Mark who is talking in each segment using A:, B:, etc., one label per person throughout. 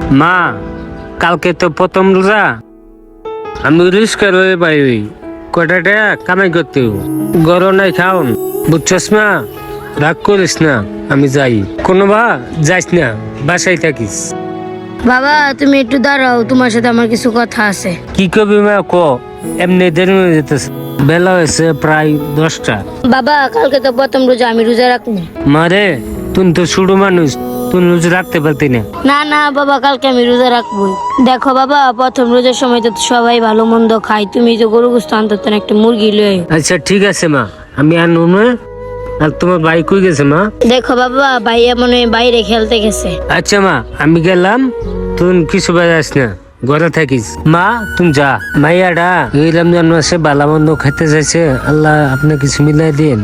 A: মা কালকে তো প্রথম রোজা, আমি রিস্কা রয়ে বাইরে কটা টাকা কামাই করতে গরম নাই খাওন, বুঝছস মা? রাগ করিস না, আমি যাই। কোনো বা যাইস না, বাসায় থাকিস।
B: বাবা তুমি একটু দাঁড়াও, তোমার সাথে আমার কিছু কথা আছে।
A: কি কবি মা ক, এমনি দেরি হয়ে যেতেছে, বেলা হয়েছে প্রায় 10টা।
B: বাবা কালকে তো প্রথম রোজা, আমি রোজা রাখবো।
A: মারে তুই তো ছোট মানুষ, তুই রোজা রাখতে পারতি না।
B: না না বাবা, কালকে আমি রোজা রাখবোই। দেখো বাবা, প্রথম রোজার সময় তো সবাই ভালো মন্দ খায়, তুমি তো গরু গোস্ত আনতে না, একটা মুরগি লয়ে আইও।
A: আচ্ছা ঠিক আছে মা, আমি আনবো না। আর তোমার ভাই কই গেছে মা?
B: দেখো বাবা, ভাইয়া মনে হয় বাইরে খেলতে গেছে।
A: আচ্ছা মা, আমি গেলাম, তুই কিছু বাজাস না, ঘরে থাকিস। মা তুমি যা, মাইয়াডা এই রমজান মাসে বালা মন্দ খেতে চাইছে, আল্লাহ আপনি কিছু মিলাই দিন।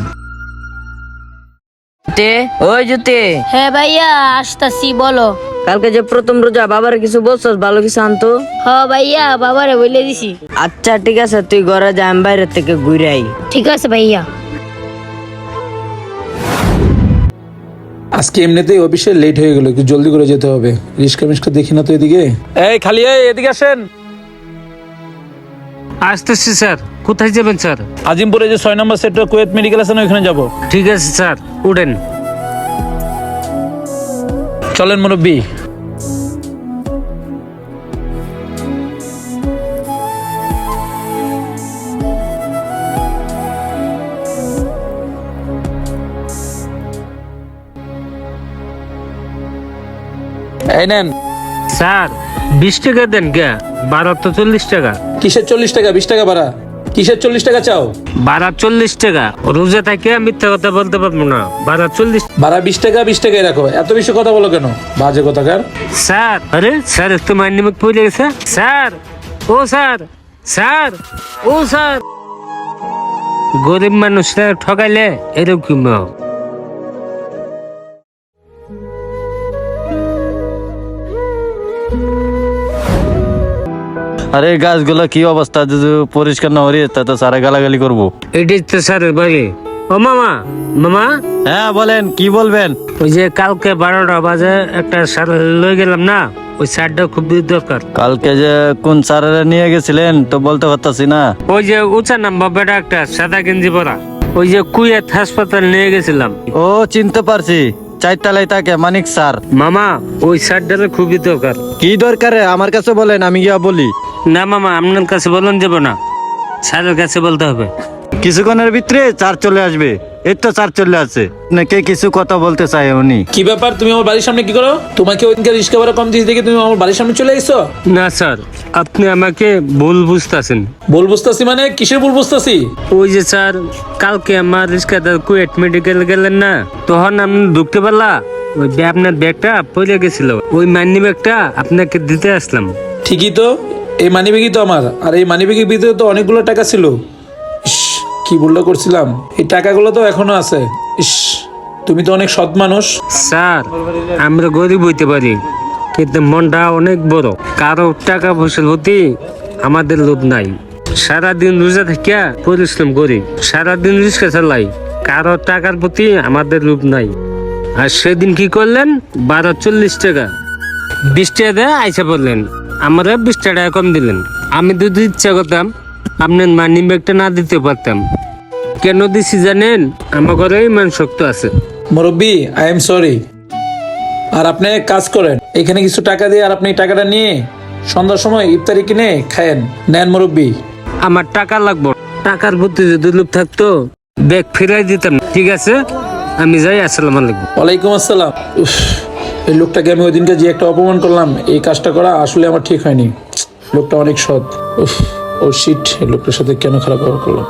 C: ওই জুতে,
B: হ্যাঁ ভাইয়া আসতাছি, বলো।
C: কালকে যে প্রথম রোজা, বাবার কিছু বলছস? ভালো কিছু আনতো।
B: হ ভাইয়া, বাবারে বলে দিছি।
C: আচ্ছা ঠিক আছে, তুই ঘরে যা, আমি বাইরে থেকে ঘুরে আই।
B: ঠিক আছে ভাইয়া।
D: আজকে এমনিতেই অফিসে লেট হয়ে গেল, একটু জলদি করে যেতে হবে। রিস্কা মিস্কা দেখি না তো এদিকে। এই খালি এদিকে আসেন।
A: আসতেছি স্যার। কোথায় যাবেন স্যার?
D: আজিমপুরে যে 6 নম্বর সেক্টর কুয়েত মেডিকেল আছে না, ওখানে যাবো।
A: ঠিক আছে স্যার, উঠেন।
D: চলেন মুরব্বী। এই নেন।
A: স্যার 20 টাকা দেন কে? ভাড়া তো 40 টাকা।
D: কিসের 40 টাকা? 20 টাকা ভাড়া। কিসের 40 টাকা চাও?
A: ভাড়া 40 টাকা। রোজা থেকে মিথ্যা কথা বলতে পারবো না, ভাড়া 40।
D: ভাড়া 20 টাকা, 20 টাকাই রাখো। এত বেশি কথা বলো কেন? বাজে কথাকার।
A: স্যার আরে স্যার, একটু মাইন্ড পড়ে গেছে। স্যার ও স্যার, স্যার ও স্যার, গরিব মানুষরা ঠকাইলে এরকম।
E: আরে গাছগুলো কি অবস্থা, যদি পরিষ্কার না হরি তা তো সারা গালাগালি করবো।
A: এটাই তো স্যারের বাড়ি। ও মামা, মামা
E: হ্যাঁ বলেন, কি বলবেন?
A: ওই যে কালকে 12টা বাজে একটা সার লয়ে গেলাম না, ওই সারটা খুব দরকার।
E: কালকে যে কোন স্যারেরা নিয়ে গেছিলেন তো বলতে পারতাছি না।
A: ওই যে উঁচা নাম্বার বেটা একটা সাদা গেঞ্জি পরা, ওই যে কুয়েত হাসপাতাল নিয়ে গেছিলাম।
E: ও চিনতে পারছি, 4 তলায় থাকে মানিক স্যার।
A: মামা ওই সারটার খুবই দরকার।
E: কি দরকারে আমার কাছে বলেন, আমি গিয়া বলি।
A: না মামা, আপনার কাছে বলুন যাব না, স্যারের কাছে বলতে হবে।
E: কিছুক্ষণের ভিতরে স্যার চলে আসবে। এই তো স্যার চলে আসছে, নাকি কিছু কথা বলতে চাই উনি।
D: কি ব্যাপার? তুমি আমার বাড়ির সামনে কি করো? তোমাকে ওইদিনকে রিস্কা ভাড়া কম দিয়েছি দেখে তুমি আমার বাড়ির সামনে চলে এসো?
A: না স্যার, আপনি আমাকে ভুল বুঝতেছেন।
D: ভুল বুঝতেছি মানে? কিসের ভুল বুঝতেছি?
A: ওই যে স্যার, কালকে আমার রিস্কাদার কুয়েট মেডিকেল গেলেন না, তখন আপনি ঢুকতে পারলা, ওই আপনার ব্যাগটা পড়ে গেছিল, ওই মানি ব্যাগটা আপনাকে দিতে আসলাম।
D: ঠিকই তো, এই মানিব্যাগই তো আমার। আর এই মানিব্যাগের ভিতরে তো অনেকগুলো টাকা ছিল। ইস, কি ভুলটা করছিলাম। এই টাকাগুলো তো এখনো আছে। ইস, তুমি তো অনেক সৎ মানুষ।
A: স্যার আমরা গরিব হইতে পারি, কিন্তু মনটা অনেক বড়। কারো টাকা পয়সার প্রতি আমাদের লোভ নাই। সারাদিন রোজা থাকিয়া পরিশ্রম করি, সারাদিন রিক্সা চালাই, কারো টাকার প্রতি আমাদের লোভ নাই। আর সেদিন কি করলেন? 12.40 টাকা 20 টাকা দিয়ে আইসা বললেন, আমরা 20 টাকা কম দিলেন। আমি যদি ইচ্ছা করতাম আপনার মানি ব্যাগটা না দিতে পারতাম। কেন দিছি জানেন? আমার ঘরে ইমান শক্ত আছে।
D: মুরব্বী, আই এম সরি। আর আপনি এক কাজ করেন, এখানে কিছু টাকা দিয়ে আর আপনি এই টাকাটা নিয়ে সন্ধ্যার সময় ইফতারি কিনে খায়েন। নেন মুরব্বী।
A: আমার টাকা লাগবে, টাকার প্রতি যদি লোভ থাকতো ব্যাগ ফিরাই দিতাম। ঠিক আছে, আমি যাই। আসসালামু আলাইকুম।
D: ওয়ালাইকুম আসসালাম। উফ, এই লোকটাকে আমি ওই দিনকে যে একটা অপমান করলাম, এই কাজটা করা আসলে আমার ঠিক হয়নি। লোকটা অনেক সৎ। উফ, ও শিট, এই লোকটার সাথে কেন খারাপ ব্যবহার করলাম।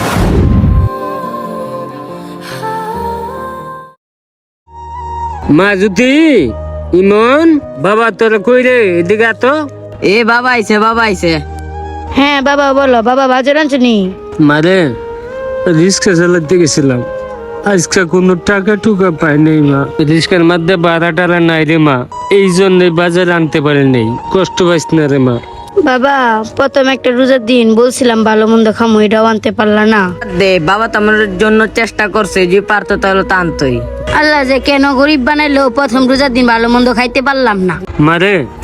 A: মা জ্যোতি, ইমন, বাবা তোরা কই রে? এদিকে আ তো।
C: এ বাবা আইছে, বাবা আইছে।
B: হ্যাঁ বাবা বলো। বাবা বাজার আনছনি?
A: মারে রিক্সা চালাতে গেছিলাম, আজকে কোনো টাকা টুকা পাই নাই মা। রিক্সার মধ্যে ভাড়া টাড়া নাই রে মা, এই জন্য বাজার আনতে পারি নাই। কষ্ট পাইস না রে মা।
B: বাবা প্রথম একটা রোজার দিন বলছিলাম ভালো মন্দ খামো, এটাও আনতে পারলা না।
C: দে, বাবা তো আমার জন্য চেষ্টা করছে, যে পারতো তাহলে তো আনতোই।
B: আল্লাহ যে কেন গরিব বানাইলো, প্রথম রোজার দিন ভালো মন্দ খাইতে পারলাম না।
A: মারে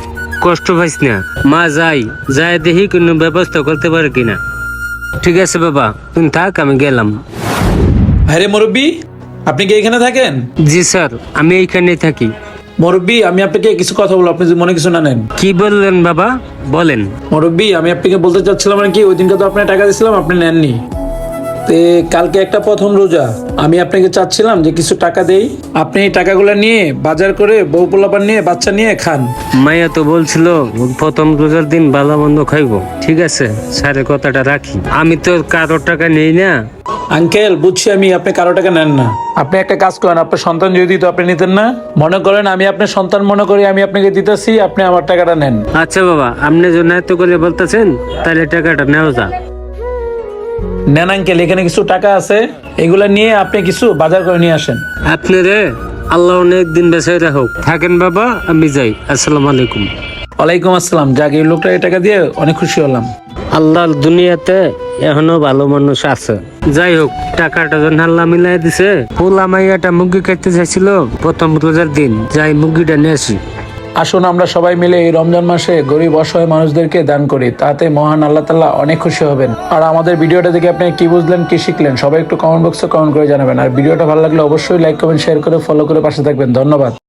A: কষ্ট পাইস না, মা যাই যাই দেখি কোনো ব্যবস্থা করতে পারে কিনা। ঠিক আছে বাবা, তুমি থাক, আমি গেলাম।
D: আরে মুরব্বী, আপনি কি এখানে থাকেন?
A: জি স্যার, আমি এইখানেই থাকি।
D: মুরব্বী, আমি আপনাকে কিছু কথা বলবো, আপনি যদি মনে কিছু না নেন।
A: কি বললেন বাবা, বলেন।
D: মুরব্বী, আমি আপনাকে বলতে চাচ্ছিলাম আর কি, ওই দিনকে তো আপনার টাকা দিয়েছিলাম, আপনি নেননি। তে কালকে একটা প্রথম রোজা, আমি আপনাকে চাচ্ছিলাম যে কিছু টাকা দেই, আপনি এই টাকাগুলো নিয়ে বাজার করে বউ পোলাপান নিয়ে বাচ্চা নিয়ে খান।
A: মাইয়া তো বলছিল প্রথম রোজার দিন ভালো মন্দ খাইবো। ঠিক আছে, স্যারের কথাটা রাখি। আমি তো কারোর টাকা নেই না।
D: আঙ্কেল, বুঝছি আমি, আপনি কারো টাকা নেন না। আপনি একটা কাজ করেন, আপনার সন্তান যদি দিত আপনি নিতেন না? মনে করেন আমি আপনার সন্তান মনে করি আমি আপনাকে দিতেছি, আপনি আমার টাকাটা নেন।
A: আচ্ছা বাবা, আপনি জন্য এত করে বলতেছেন, তাহলে টাকাটা নেওয়া যা।
D: নেন আঙ্কেল, এখানে কিছু টাকা আছে, এগুলা নিয়ে আপনি কিছু বাজার করে নিয়ে আসেন।
A: আপনি রে, আল্লাহ অনেক দিন বেঁচে রাখুক। থাকেন বাবা, আমি যাই। আসসালামু আলাইকুম।
D: ওয়ালাইকুম আসসালাম। যাক, এই লোকটা এই টাকা দিয়ে অনেক খুশি হলাম।
A: আল্লাহর দুনিয়াতে এখনো ভালো মানুষ আছে। যাই হোক, টাকাটা যখন আল্লাহ মিলাই দিছে, পোলা মাইয়াটা মুরগি খাইতে চাইছিল প্রথম রোজার দিন, যাই মুরগিটা নিয়ে আসি।
D: আসুন আমরা সবাই মিলে এই রমজান মাসে গরিব অসহায় মানুষদেরকে দান করি, তাতে মহান আল্লাহ তাআলা অনেক খুশি হবেন। আর আমাদের ভিডিওটা দেখে আপনি কি বুঝলেন, কি শিখলেন, সবাই একটু কমেন্ট বক্সে কমেন্ট করে জানাবেন। আর ভিডিওটা ভালো লাগলে অবশ্যই লাইক কমেন্ট শেয়ার করে ফলো করে পাশে থাকবেন। ধন্যবাদ।